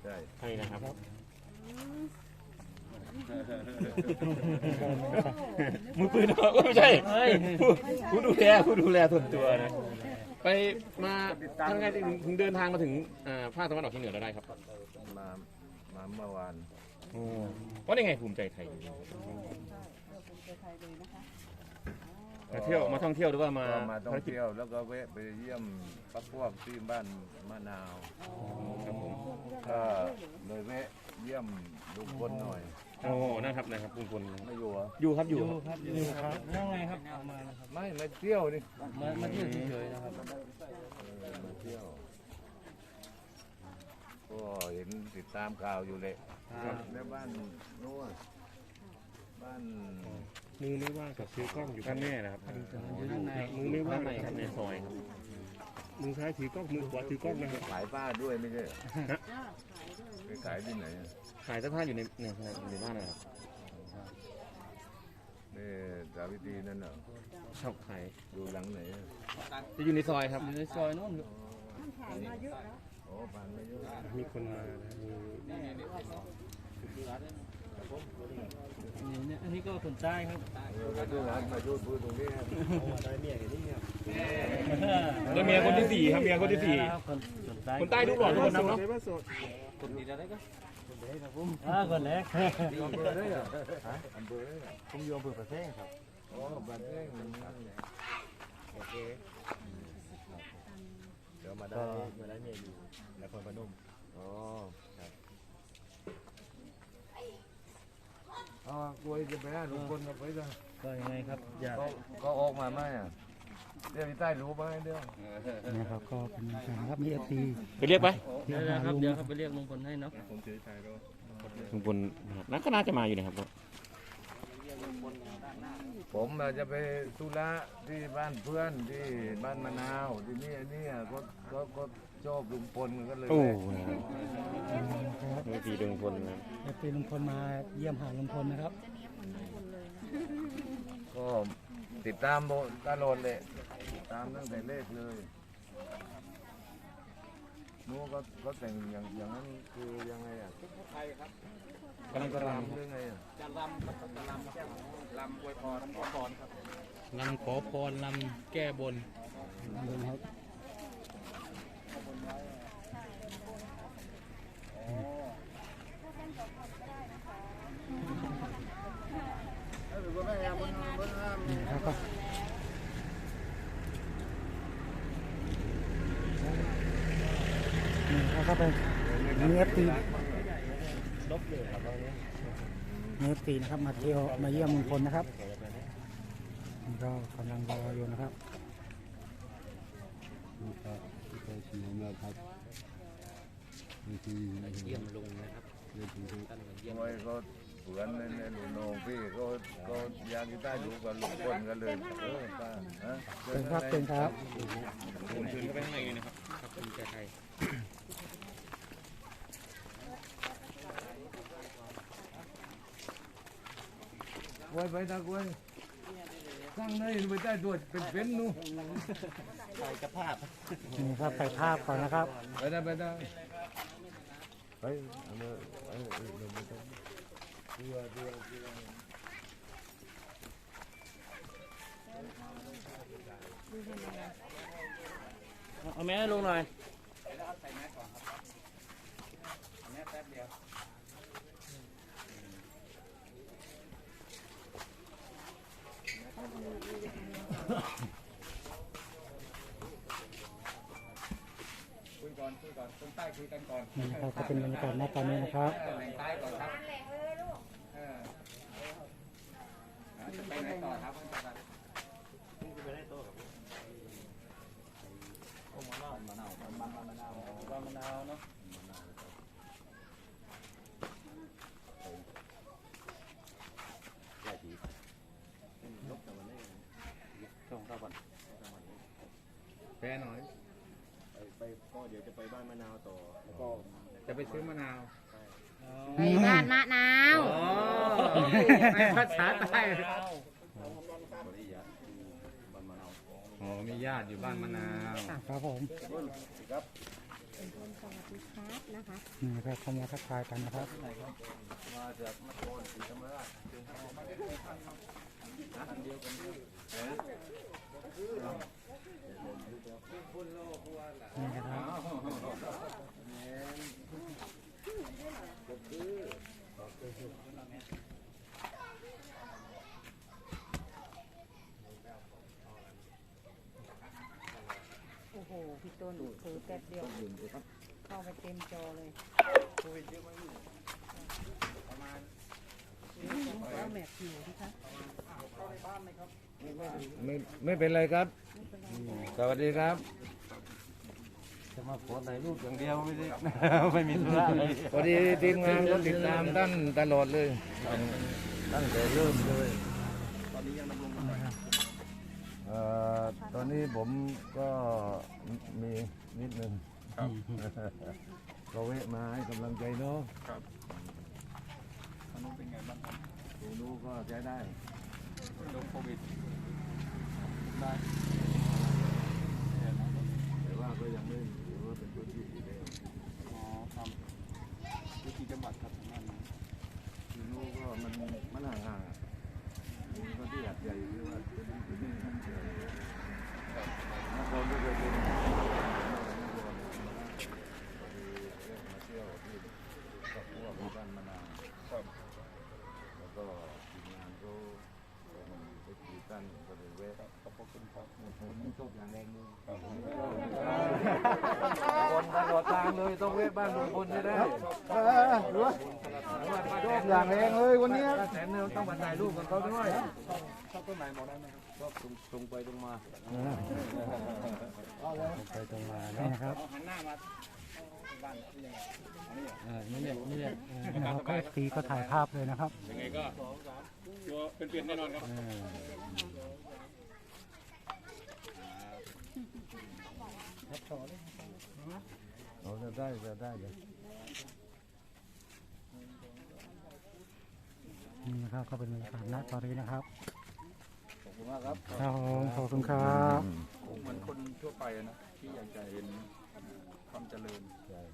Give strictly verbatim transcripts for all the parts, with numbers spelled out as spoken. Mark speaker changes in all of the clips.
Speaker 1: ใช่
Speaker 2: ใช่นะครับมือปืนไม่ใช่ผู้ดูแลผู้ดูแลส่วนตัวนะไปมาทำไงถึงเดินทางมาถึงภาคตะวันออกเฉียงเหนือเราได้ครับ
Speaker 1: มามาเมื่อวาน
Speaker 2: โอ้ว่าได้ไงภูมิใจไทยมาเที่ยวมาท่องเที่ยวหรือว่ามา
Speaker 1: มาท่องเที่ยวแล้วก็แวะไปเยี่ยมพักพวกที่บ้านมะนาว
Speaker 2: ครับผม
Speaker 1: ก็เลยแวะเยี่ยมลุงพลหน่อย
Speaker 2: โอ้นะครับนะครับลุงพล
Speaker 1: ไม่อยู่เหรอ
Speaker 2: อยู่ครับอยู่
Speaker 3: ครับอยู่ครับยังไงครับมา
Speaker 1: ไม่มาเที่ยวนี่
Speaker 3: มามาเที่ยวเฉยๆนะครับ
Speaker 1: มาเที่ยวก็เห็นติดตามข่าวอยู่เลยแล้วบ้านนู้นบ้าน
Speaker 2: มือไม่ว่างกับซื้อกล้องอยู่ข้างแม่นะครับมือไม่ว่างในครับในซอยครับมือซ้ายถือกล้องมือขวาถือกล้องนะครับ
Speaker 1: ขายผ้าด้วยไม่ใช่ไปขายที่ไหน
Speaker 2: ขายเสื้อผ้าอยู่ในในในบ้านนะครับ
Speaker 1: นี่สาวิตรีนั่นเหรอ
Speaker 2: ชอบขาย
Speaker 1: อยู่หลังไหน
Speaker 2: จะอยู่ในซอยครับ
Speaker 3: อยู่ในซอยนู้น
Speaker 1: ผ่านมาเยอะแล้วโอ้ผ่านมาเยอะ
Speaker 2: มีคนมา
Speaker 3: นี่อันนี้ก็คนใต้ครับ
Speaker 1: มาดูร้านมาดูพูดตรงนี้ได้เมียกันนี่เนี่ย
Speaker 2: แล้วเมียคนที่สี่ครับเมียคนที่สี่คนใต้ดูหล่อทุกคนเนาะ
Speaker 3: คนดีได้ก็คนแรกครับผมอ่าคนแรก
Speaker 1: อำเภอได้เหรออำเภอได้เหรอ
Speaker 3: ผมอยู่อำเภอประเทศครับ
Speaker 1: อ๋อประเทศโอเคเดี๋ยวมาได้มาได้เมียอยู่นครพนมอ๋อครับอ๋อกลัวจะไปหาลุงพลกับไปจ้ะ
Speaker 3: ก็ยังไงครับอยาก
Speaker 1: ก็ออกมาไหมอ่ะเดี๋ยวพี่ใต้รู้ไหมเดี๋ยว
Speaker 3: นะครับก็เป็นการครับมีเอฟซี
Speaker 2: ไปเรียกไป
Speaker 3: เดี๋ยวครับเดี๋ยวครับไปเรียกลุงพลให้เนาะ
Speaker 1: ผมเฉยใจก็
Speaker 2: ลุงพลนักก็น่าจะมาอยู่นะครับ
Speaker 1: ผมจะไปธุระที่บ้านเพื่อนที่บ้านมะนาวที่นี่อันนี้ก็ก็ก็ชอบลุงพลก็เลย
Speaker 2: โอ้ดีลุงพลนะ
Speaker 3: เอฟซีลุงพลมาเยี่ยมหาลุงพลนะครับ
Speaker 1: ก็ติดตามตลอดเลยติดตามตั้งแต่เลขเลยนู้ก็ก็แต่งอย่างอย่างนั้นคือยังไงอ่ะ
Speaker 2: ไทยครับ
Speaker 1: กำลังจะรำหรือไงอ่ะ
Speaker 2: จะรำครับจะรำรำอวยพรรำขอพรครับ
Speaker 3: รำขอพรรำแก้บนครับครับนี่ครับเป็นเนื้อตีลบเลยครับเนื้อตีนะครับมาเที่ยวมาเยี่ยมลุงพลนะครับนี่ก็กำลังรออยู่นะครับ
Speaker 1: นี่ก็ที่เคยชิมมาครับนี่คือ
Speaker 3: เยี่ยมลุงนะครับ
Speaker 1: นี่คือเยี่ยมไว้ก็เผื่อนในในหลุมนองพี่ก็ก็ยางที่ใต้ดูกับลุงพลกันเลยเออป้าฮะ
Speaker 3: เป็นครับเป็นครับ
Speaker 2: ผมเชิญเข้าไปข้างในเลยนะครับขอบคุณใจไทย
Speaker 1: ไว้ไปตะกวยสร้างในไปใต้ตัวเป็นเป็นนู่น
Speaker 3: ถ่ายกระภาพ
Speaker 1: นี่
Speaker 3: ครับถ่ายภาพก่อนนะครับ
Speaker 1: ไปได้ไปได้ไปเอามาเอาเอาเอามาดูดูดู
Speaker 3: เอาแม่ลงหน่อย
Speaker 2: คุยก่อนคุยก่อนคนใต้คุยกันก่อน
Speaker 3: นี่นะครับก็เป็นบรรยากาศณตอนนี้นะครับ
Speaker 2: แหล่งใต้ก่อนครับจะไปไหนต่อครับไปได้โตกับโอ้มะนาวมะนาวมะนาวมะนาวมะนาวเนาะแพ้หน่อยไปก็เดี๋ยวจะไปบ้านมะนาวต่อแล้วก็จะไปซื้อมะนาว
Speaker 4: ไปบ้านมะนาว
Speaker 2: ภาษาใต้อ๋อมีญาติอยู่บ้านมะนาว
Speaker 3: ครับผม
Speaker 1: ครับ
Speaker 4: เป็นคนสวัสดีครับนะคะ
Speaker 3: นี่นะครับเข้ามาทักทายกันนะครับ
Speaker 1: มาจากนครศรีธรรมราชเดียวกัน
Speaker 3: นี่นะครับ
Speaker 4: โอ้โหพี่ต้นถือแป๊บเดียวเข้าไปเต็มจอเลยเอาแมทอยู่ที่คะ
Speaker 1: ไม่ไม่เป็นไรครับ สวัสดีครับ จะมาขอถ่ายรูปอย่างเดียวไม่ได้ ไม่มีธุระอะไรพอดีทีมงานก็ติดตามท่านตลอดเลยตั้งแต่เริ่มเลยเอ่อตอนนี้ผมก็มีนิดนึงก็เวะมาให้กำลังใจเนาะ
Speaker 5: ครับทางนู้นเป็นไงบ้างครับ
Speaker 1: ดูดูก็ใช้ได้
Speaker 5: โดนโควิดได้
Speaker 1: แต่ว่าก็ยังไม่ถือว่าเป็นพื้นที่สีแดง
Speaker 5: อ๋อครับวิธีจังหวัดครับทางนั้น
Speaker 1: ดูดูก็มันมันห่างๆอ่ะมีก็ที่หัดใหญ่ที่ว่าเป็นพื้นที่หัดใหญ่นครก็เคยเป็นนครมาเที่ยวที่ครอบครัวของบ้านมะนาว
Speaker 5: ครับ
Speaker 1: แล้วก็ทีมงานก็มันไปขี่ตั้นก็เลยแวะ
Speaker 5: ขอบคุณครับ
Speaker 1: ผมชอบอย่างแรงนึง
Speaker 5: ครับ
Speaker 1: คนตลอดทางเลยต้องแวะบ้านลุงพลให้ได้
Speaker 3: เออหรือว่าชอบอย่างแรงเลยวันนี้
Speaker 1: แสนเนื้อต้องมาถ่ายรูปกับเขาด้วย
Speaker 5: ชอบต้นไหนบอกได้ไหมครับ
Speaker 1: ชอบตรงตรงไปตรงมา
Speaker 3: ไปตรงมานี่นะครับ
Speaker 5: หันหน้ามาบ้านที่ยังไงอันนี้
Speaker 3: เออนี่แหละนี่แหละนะครับก็ตีก็ถ่ายภาพเลยนะครับ
Speaker 2: ยังไงก็ตัวเป็นเปลี่ยนแน่นอนครับ
Speaker 3: เออ
Speaker 1: เราจะได้จะได้เลย
Speaker 3: นี่นะครับก็เป็นบรรยากาศณตอนนี้นะครับ
Speaker 1: ขอบคุณมากครับ
Speaker 3: ครับผมขอบคุณครับ
Speaker 5: คงเหมือนคนทั่วไปนะที่อยากจะเห็นความเจริญ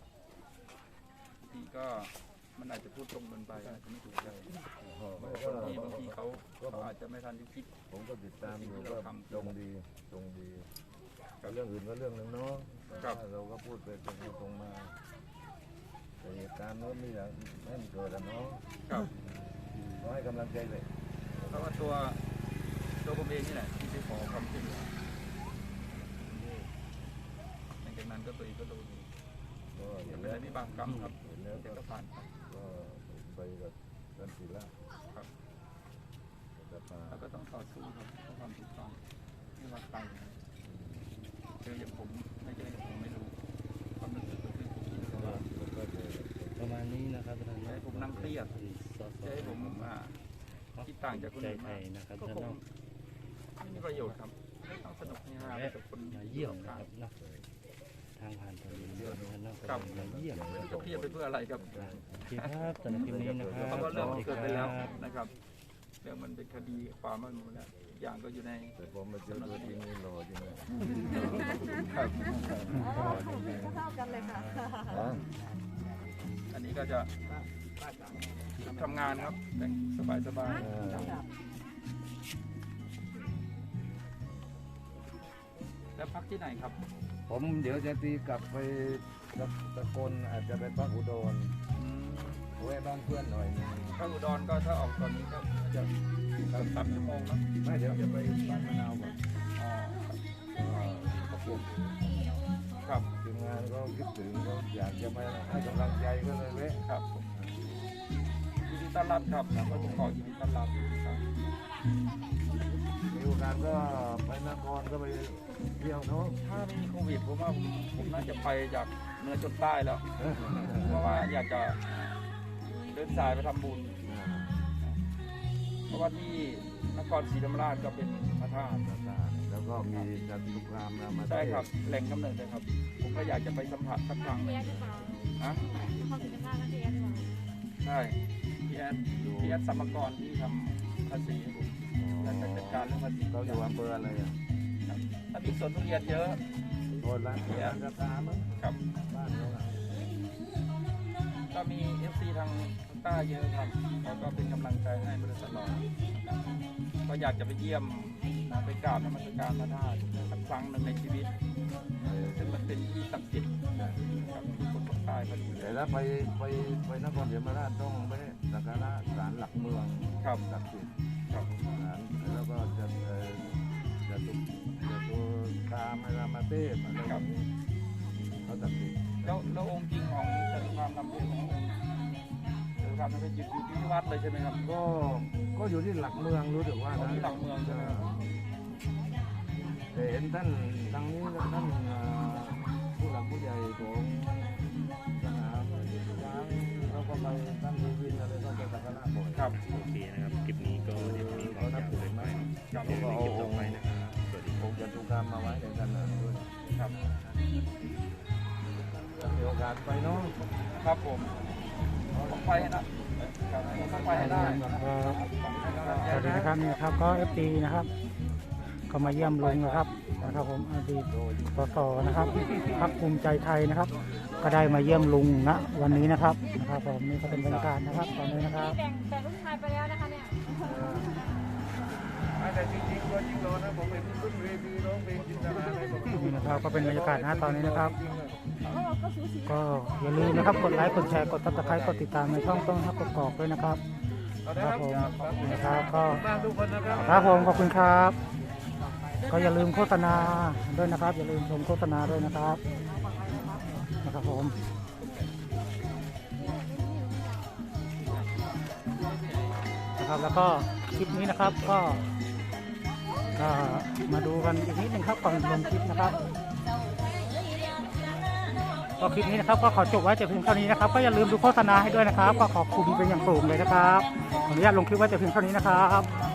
Speaker 5: ที่ก็มันอาจจะพูดตรงเกินไปอาจจะไม่ถูกใจคนที่บางทีเขาเขาอาจจะไม่ทันที่คิด
Speaker 1: ผมก็ติดตามอยู่ก็ตรงดีตรงดีเรื่องอื่นก็เรื่องหนึ่งเนาะเราก็พูดไปตรงตรงมาแต่เหตุการณ์โน้นไม่อยากให้มันเกิดอะเนาะ
Speaker 5: ครับ
Speaker 1: ขอให้กำลังใจเลย
Speaker 5: เพราะว่าตัวตัวผมเองนี่แหละที่ไปขอความช่วยเหลือหลังจากนั้นก็ตัวเองก็โดน
Speaker 1: ก็
Speaker 5: จะ
Speaker 1: เห็น
Speaker 5: เป็น
Speaker 1: แล้
Speaker 5: อะ
Speaker 1: ว
Speaker 5: ไรที่บางกรรมครับ
Speaker 1: เห็นแล้ว
Speaker 5: เดี๋ยว
Speaker 1: ก็
Speaker 5: ก็ผ่านไป
Speaker 1: ก็ไปกับท่านศิลา
Speaker 5: ครับ
Speaker 1: จะมา
Speaker 5: แล้วก็ต้องต่อสู้ครับเพื่อความถูกต้องไม่ว่าใครเจออย่างผมไม่เจออย่างผมไม่รู้ความรู้สึกก็คือผมคิดว่า
Speaker 1: ก็จะ
Speaker 6: ประมาณนี้นะครับท่าน
Speaker 5: จะให้ผมนั่งเครียดจะให้ผมอ่าคิดต่างจากคน
Speaker 6: ใจ
Speaker 5: อื่น
Speaker 6: ไท
Speaker 5: มาก
Speaker 6: ยนะครับ
Speaker 5: ก็
Speaker 6: ท่าน
Speaker 5: ค
Speaker 6: น้
Speaker 5: ง
Speaker 6: อง
Speaker 5: ไม่มีประโยชน์ครับต้องสนุกเฮฮาไปกับคน
Speaker 6: มาเยี่ยมนะครับเนาะทางผ่านตอนนี้ท่านน้อง
Speaker 5: ครับ
Speaker 6: มาเยี่ยม
Speaker 5: ไม่
Speaker 6: นะ
Speaker 5: รู้
Speaker 6: ครั
Speaker 5: จะ
Speaker 6: บ
Speaker 5: เครียดไปเพื่ออะไรครับ
Speaker 6: โอเคครับสำหรับคลิปนี้นะครับ
Speaker 5: เพราะว่าเรื่องมันเกิดไปแล้ว
Speaker 6: สวัสดีครับ
Speaker 5: นะครับเรื่องมันเป็นคดีความมันหมดแล้วอย่างก็อยู่ใน
Speaker 1: แต่ผมมาเจอตัวจริงนี่หล่อจริงเลย
Speaker 5: ครับ
Speaker 4: เท่ากันเลยค่ะ
Speaker 1: อ๋อ
Speaker 5: อันนี้ก็จะทำงานครับแต่งสบายๆ
Speaker 1: เออ
Speaker 5: แล้วพักที่ไหนครับ
Speaker 1: ผมเดี๋ยวจะตีกลับไปตะตะกนอาจจะไปพักอุดรแวะบ้านเพื่อนหน่อยนึง
Speaker 5: ถ้าอุดรก็ถ้าออกตอนนี้ก็จะสามชั่วโมงเนอะ
Speaker 1: ไม่เดี๋ยวจะไปบ้านมะนาวก่อน
Speaker 5: อ๋อ
Speaker 1: ก็ขอบคุณ
Speaker 5: ครับ
Speaker 1: ทีมงานก็คิดถึงก็อยากจะมาให้กำลังใจก็เลยแวะ
Speaker 5: ครับผมยินดีต้อนรับครับก็ต้องขอยินดีต้อนรับครับ
Speaker 1: มีโอกาสก็ไปนครก็ไปเที่ยวเนาะ
Speaker 5: ถ้าไม่มีโควิดผมว่าผมผมน่าจะไปจากเหนือจนใต้แล้ว เพราะว่าอยากจะเดินสายไปทำบุญ เพราะว่าที่นครศรีธรรมราชก็เป็นพระธาตุ
Speaker 1: แล้วก็มีจันทุกรามนามา
Speaker 5: ใช่ครับแหล่งกำเนิดเลยครับ ผมก็อยากจะไปสัมผัสสักครั้ง
Speaker 4: เทียดหรือเปล่า
Speaker 5: ฮะ
Speaker 4: เขาถึงจะพากันเทียดหรือเปล่า
Speaker 5: ใช่พี่แอดพี่แอดสมกรที่ทำภาษีให้ผมและจัดการเรื่องภาษี
Speaker 1: เขาอยู่อำเภออะไรอ่ะ
Speaker 5: ครับถ้ามีสวนทุเรียนเยอะ
Speaker 1: โอ้ร้านร้านกาแฟมั้ง
Speaker 5: ครับ
Speaker 1: บ้านเขาอะ
Speaker 5: ก็มี เอฟ ซี ทางใต้เยอะครับเขาก็เป็นกำลังใจให้มาโดยตลอดนะครับก็อยากจะไปเยี่ยมไปกราบนมัสการพระธาตุสักครั้งหนึ่งในชีวิตซึ่งมันเป็นที่ศักดิ์สิทธิ์ครับคนภาคใต้ก็ดูแล
Speaker 1: แต่ถ้าไปไปไปนครศรีธรรมราชต้องไปสักการะศาลหลักเมือง
Speaker 5: ครับ
Speaker 1: ศักดิ์สิทธิ์
Speaker 5: ครับ
Speaker 1: ศาลแล้วก็จะเอ่อจะตุจะตุตามรามเทพอะไรแบบนี้เขาศักดิ์สิทธิ์
Speaker 5: แล้วแล้วองค์จริงของจตุคามนำเทพขององค์จตุคามนำเทพอยู่อยู่ที่วัดเลยใช่ไหมครับ
Speaker 1: ก็ก็อยู่ที่หลักเมืองรู้สึกว่า
Speaker 5: อ๋อ
Speaker 1: นะ
Speaker 5: ที่หลักเมืองใช่ไหม
Speaker 1: แต่เห็นท่านทางนี้ท่านเอ่อผู้หลักผู้ใหญ่ของสนามช้างแล้วก็ไปท่านดีวินอะไรก็ไปสักการะบ่อย
Speaker 5: ครับ
Speaker 6: โอเคนะครับ คลิปนี้ก็เดี๋ยวมีความอยากเลยไปเนาะเดี๋ยวในคลิปต่อไปนะครับ สวัสดีครับ
Speaker 1: องค์จตุคามมาไว้ในกันนะด้วย
Speaker 5: ครับ
Speaker 1: ถ้ามีโอกาสไปเนาะ
Speaker 5: ครับผมต้องไปให้นะครับต้องไปให้ได้
Speaker 3: ก็สวัสดีนะครับนี่นะครับก็เอฟซีนะครับก็มาเยี่ยมลุงนะครับนะครับผมอดีตสสนะครับพรรคภูมิใจไทยนะครับ ก็ได้มาเยี่ยมลุงณวันนี้นะครับนะครับผมนี่ก็เป็นบรรยากาศนะครับตอนนี้นะครับ
Speaker 4: แบ่งแบ่งลูกชายไปแล้วนะคะเนี่ย
Speaker 1: แต่จริงๆตัวจริงร้อนนะผมเป็นขึ้นเวทีร้องเพลงจินตนาอะไรผม
Speaker 3: นี่นะครับก็เป็นบรรยากาศนะตอนนี้นะครับ ก็อย่าลืมนะครับกดไลค์กดแชร์กดติดตามกดติดตามในช่องต้องฮักกดกอกด้วยนะครับครับผมนะครับก็
Speaker 1: บ้านทุกคนนะครับ
Speaker 3: ครับผมขอบคุณครับ ก็อย่าลืมโฆษณาด้วยนะครับ อย่าลืมชมโฆษณาด้วยนะครับนะครับผมนะครับแล้วก็คลิปนี้นะครับก็ก็มาดูกันอีกนิดนึงครับก่อนลงคลิปนะครับก็คลิปนี้นะครับก็ขอจบไว้แต่เพียงเท่านี้นะครับก็อย่าลืมดูโฆษณาให้ด้วยนะครับก็ขอบคุณเป็นอย่างสูงเลยนะครับขออนุญาตลงคลิปไว้แต่เพียงเท่านี้นะครับ